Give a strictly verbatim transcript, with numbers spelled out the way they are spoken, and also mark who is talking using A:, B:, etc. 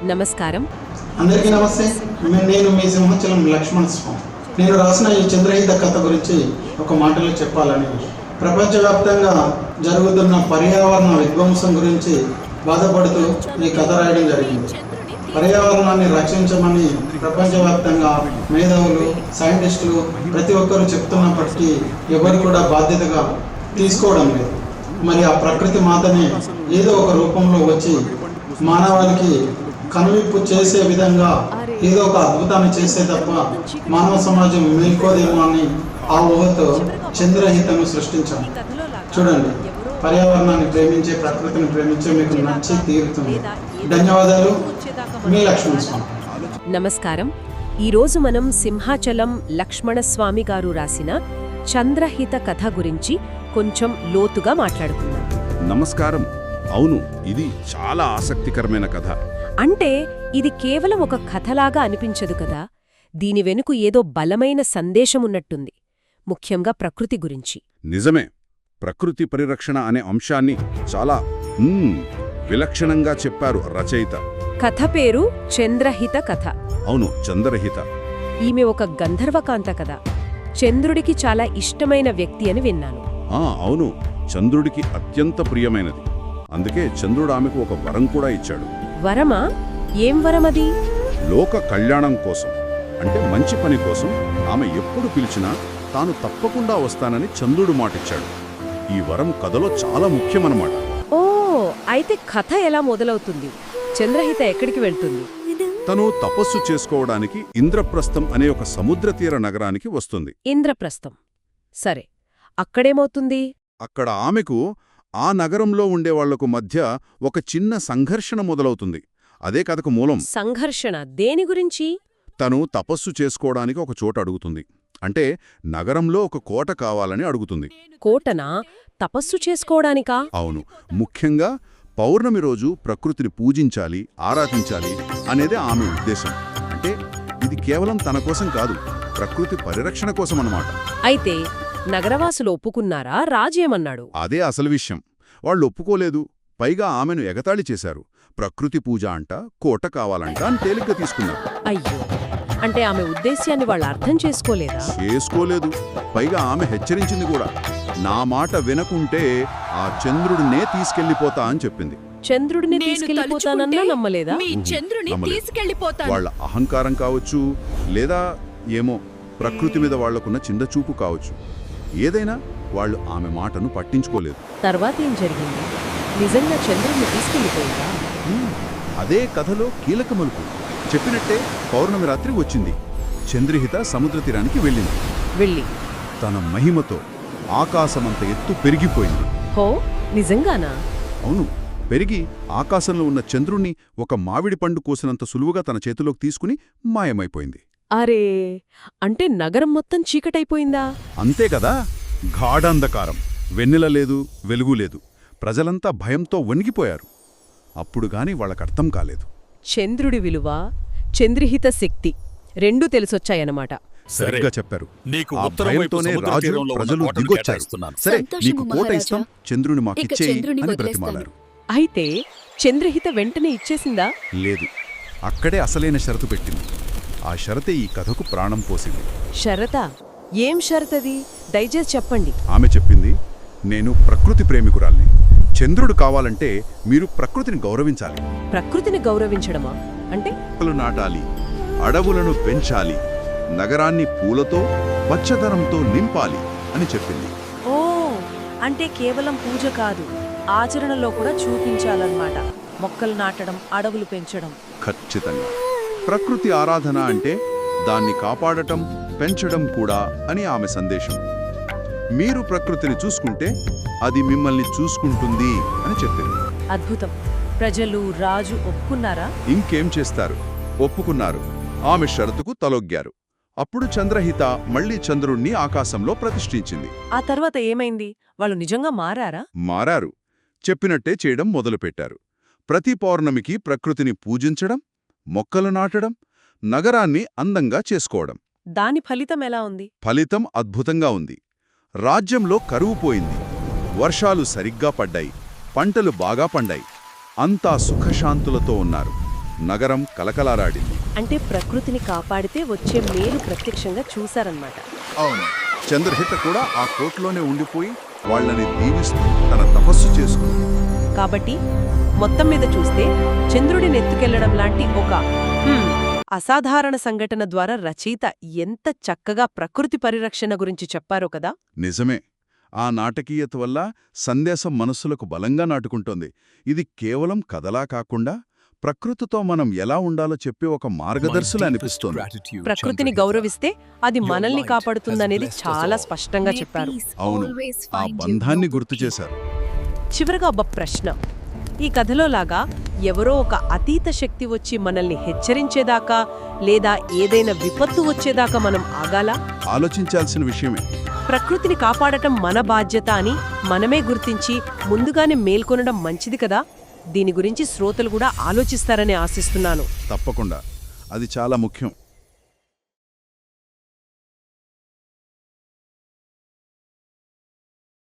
A: నమస్కారం.
B: అందరికీ నమస్తే. నేను మీ సింహాచలం లక్ష్మణ స్వామి. నేను రాసిన ఈ చంద్రహిత కథ గురించి ఒక మాటలో చెప్పాలని, ప్రపంచవ్యాప్తంగా జరుగుతున్న పర్యావరణ విధ్వంసం గురించి బాధపడుతూ ఈ కథ రాయడం జరిగింది. పర్యావరణాన్ని రక్షించమని ప్రపంచవ్యాప్తంగా మేధావులు, సైంటిస్టులు ప్రతి ఒక్కరూ చెప్తున్నప్పటికీ ఎవరు కూడా బాధ్యతగా తీసుకోవడం లేదు. మరి ఆ ప్రకృతి మాతనే ఏదో ఒక రూపంలో వచ్చి మానవాళికి కనువిప్పు చేసే విధంగా ఏదో ఒక అద్భుతాన్ని చేసే తప్ప మానవ సమాజం మేల్కోదేమో అని ఆ ఊహతో చంద్రహితను సృష్టించాం. చూడండి, పర్యావరణాన్ని ప్రేమించే, ప్రకృతిని ప్రేమించే మీకు నచ్చి తీరుతుంది. ధన్యవాదాలు. మీ లక్ష్మణ స్వామి.
A: నమస్కారం. ఈరోజు మనం సింహాచలం లక్ష్మణస్వామి గారు రాసిన చంద్రహిత కథ గురించి కొంచెం లోతుగా మాట్లాడుకుందాం.
C: నమస్కారం. అవును, ఇది చాలా ఆసక్తికరమైన కథ.
A: అంటే ఇది కేవలం ఒక కథలాగా అనిపించదు కదా, దీని వెనుక ఏదో బలమైన సందేశమున్నట్టుంది, ముఖ్యంగా ప్రకృతి గురించి.
C: నిజమే. ప్రకృతి పరిరక్షణ అనే అంశాన్ని చాలా మ్మ్, విలక్షణంగా చెప్పారు రచయిత.
A: కథ పేరు చంద్రహిత కథ.
C: అవును, చంద్రహిత.
A: ఈమె ఒక గంధర్వకాంత కదా, చంద్రుడికి చాలా ఇష్టమైన వ్యక్తి అని విన్నాను.
C: ఆ అవును, చంద్రుడికి అత్యంత ప్రియమైనది. అందుకే చంద్రుడు ఆమెకు ఒక వరం కూడా ఇచ్చాడు.
A: వరమా? ఏం వరమది?
C: లోక కళ్యాణం కోసం, అంటే మంచి పని కోసం ఆమె ఎప్పుడు పిలిచినా తాను తప్పకుండా వస్తానని చంద్రుడు మాటిచ్చాడు. ఈ వరం కథలో చాలా ముఖ్యమన్నమాట.
A: ఓ, అయితే కథ ఎలా మొదలవుతుంది? చంద్రహిత ఎక్కడికి వెళ్తుంది?
C: తను తపస్సు చేసుకోవడానికి ఇంద్రప్రస్థం అనే ఒక సముద్ర తీర నగరానికి వస్తుంది.
A: ఇంద్రప్రస్థం. సరే, అక్కడేమవుతుంది?
C: అక్కడ ఆమెకు ఆ నగరంలో ఉండేవాళ్లకు మధ్య ఒక చిన్న సంఘర్షణ మొదలవుతుంది. అదే కథకు మూలం.
A: సంఘర్షణ దేని గురించి?
C: తను తపస్సు చేసుకోవడానికి ఒక చోట అడుగుతుంది. అంటే నగరంలో ఒక కోట కావాలని అడుగుతుంది.
A: కోటనా? తపస్సు చేసుకోవడానికా?
C: అవును, ముఖ్యంగా పౌర్ణమి రోజు ప్రకృతిని పూజించాలి, ఆరాధించాలి అనేదే ఆమె ఉద్దేశం. అంటే ఇది కేవలం తన కోసం కాదు, ప్రకృతి పరిరక్షణ కోసం అన్నమాట.
A: అయితే నగరవాసులు ఒప్పుకున్నారా? రాజేమన్నాడు?
C: అదే అసలు విషయం. వాళ్ళు ఒప్పుకోలేదు. పైగా ఆమెను ఎగతాళి చేశారు. ప్రకృతి పూజ అంట, కోట కావాలంట అని తేలిగ్గా తీసుకున్నారు.
A: అయ్యో, అంటే ఆమె ఉద్దేశ్యాన్ని వాళ్ళు అర్థం చేసుకోలేదా?
C: చేసుకోలేదు. పైగా ఆమె హెచ్చరించింది కూడా. నా మాట వినకుంటే ఆ చంద్రుడినే తీసుకెళ్లిపోతా అని చెప్పింది.
A: చంద్రుడిని తీసుకెళ్లిపోతానన్నా నమ్మలేదా?
C: నమ్మలేదు. వాళ్ళ అహంకారం కావచ్చు, లేదా ఏమో ప్రకృతి మీద వాళ్లకున్న చిన్న చూపు కావచ్చు. ఏదైనా వాళ్ళు ఆమె మాటను పట్టించుకోలేదు.
A: తర్వాత ఏం జరిగింది? నిజంగా చంద్రుడిని తీసుకెళ్లిపోయిందా?
C: అదే కథలో కీలక మలుపు. చెప్పినట్టే పౌర్ణమి రాత్రి వచ్చింది. చంద్రహిత సముద్ర తీరానికి వెళ్ళింది.
A: వెళ్ళి
C: తన మహిమతో ఆకాశమంత ఎత్తు పెరిగిపోయింది.
A: హో, నిజంగానా?
C: అవును, పెరిగి ఆకాశంలో ఉన్న చంద్రుణ్ణి ఒక మామిడి పండు కోసినంత సులువుగా తన చేతిలోకి తీసుకుని మాయమైపోయింది.
A: అరే, అంటే నగరం మొత్తం చీకటైపోయిందా?
C: అంతే కదా. గాఢాంధకారం. వెన్నెల లేదు, వెలుగు లేదు. ప్రజలంతా భయంతో వణిగిపోయారు. అప్పుడు గాని వాళ్ళకర్థం కాలేదు.
A: చంద్రుడి విలువ, చంద్రహిత శక్తి రెండూ తెలిసొచ్చాయన్నమాట.
C: సరిగ్గా చెప్పారు. ఆ భయంతోనే రాజు, ప్రజలు దిగొచ్చారు. సరే, నీకు కోట ఇస్తాం, చంద్రుని మాకిచ్చేయి అని బ్రతిమాలారు.
A: అయితే చంద్రహిత వెంటనే ఇచ్చేసిందా?
C: లేదు, అక్కడే అసలైన షరతు పెట్టింది. ఆ షరతే ఈ కథకు ప్రాణం పోసింది.
A: షరతా? ఏం షరతది? దయచేసి చెప్పండి.
C: ఆమె చెప్పింది, నేను ప్రకృతి ప్రేమికురాల్ని. చంద్రుడు కావాలంటే మీరు ప్రకృతిని గౌరవించాలి.
A: ప్రకృతిని గౌరవించడమా? అంటే
C: మొక్కలు నాటాలి, అడవులను పెంచాలి, నగరాన్ని పూలతో, పచ్చదనంతో నింపాలి అని చెప్పింది.
A: ఓ, అంటే కేవలం పూజ కాదు, ఆచరణలో కూడా చూపించాలన్నమాట. మొక్కలు నాటడం, అడవులు పెంచడం.
C: ఖచ్చితంగా. ప్రకృతి ఆరాధన అంటే దాన్ని కాపాడటం, పెంచడం కూడా అని ఆమె సందేశం. మీరు ప్రకృతిని చూసుకుంటే అది మిమ్మల్ని చూసుకుంటుంది అని చెప్పింది.
A: అద్భుతం. ప్రజలు, రాజు ఒప్పుకున్నారా?
C: ఇంకేం చేస్తారు, ఒప్పుకున్నారు. ఆమె షరతుకు తలొగ్గారు. అప్పుడు చంద్రహిత మళ్లీ చంద్రుణ్ణి ఆకాశంలో ప్రతిష్ఠించింది.
A: ఆ తర్వాత ఏమైంది? వాళ్ళు నిజంగా మారారా?
C: మారారు. చెప్పినట్టే చేయడం మొదలుపెట్టారు. ప్రతి పౌర్ణమికి ప్రకృతిని పూజించడం, మొక్కలు నాటడం, నగరాన్ని అందంగా చేసుకోవడం.
A: దాని ఫలితం ఎలా ఉంది?
C: ఫలితం అద్భుతంగా ఉంది. రాజ్యంలో కరువు పోయింది. వర్షాలు సరిగ్గా పడ్డాయి. పంటలు బాగా పండాయి. అంతా సుఖశాంతులతో ఉన్నారు. నగరం కలకలారాడింది.
A: అంటే ప్రకృతిని కాపాడితే వచ్చే మేలు ప్రత్యక్షంగా చూశారన్నమాట.
C: అవును, చంద్రహిత కూడా ఆ కోట్లోనే ఉండిపోయి వాళ్ళని దీవిస్తూ తన తపస్సు చేసుకుంది.
A: కాబట్టి మొత్తం మీద చూస్తే చంద్రుడిని ఎత్తుకెళ్లడం లాంటి ఒక హ్మ్, అసాధారణ సంఘటన ద్వారా రచయిత ఎంత చక్కగా ప్రకృతి పరిరక్షణ గురించి చెప్పారో కదా.
C: నిజమే. ఆ నాటకీయత వల్ల సందేశం మనస్సులకు బలంగా నాటుకుంటోంది. ఇది కేవలం కథలా కాకుండా ప్రకృతితో మనం ఎలా ఉండాలో చెప్పే ఒక మార్గదర్శులు అనిపిస్తోంది.
A: ప్రకృతిని గౌరవిస్తే అది మనల్ని కాపాడుతుందనేది చాలా స్పష్టంగా చెప్పారు.
C: అవును, ఆ బంధాన్ని గుర్తు చేశారు.
A: చివరగా ఒక ప్రశ్న. ఈ కథలో లాగా ఎవరో ఒక అతీత శక్తి వచ్చి మనల్ని హెచ్చరించేదాకా లేదా ఏదైనా విపత్తు వచ్చేదాకా మనం ఆగాలా?
C: ఆలోచించాల్సిన విషయమే.
A: ప్రకృతిని కాపాడటం మన బాధ్యత అని మనమే గుర్తించి ముందుగానే మేల్కొనడం మంచిది కదా. దీని గురించి శ్రోతలు కూడా ఆలోచిస్తారని ఆశిస్తున్నాను.
C: తప్పకుండా, అది చాలా ముఖ్యం.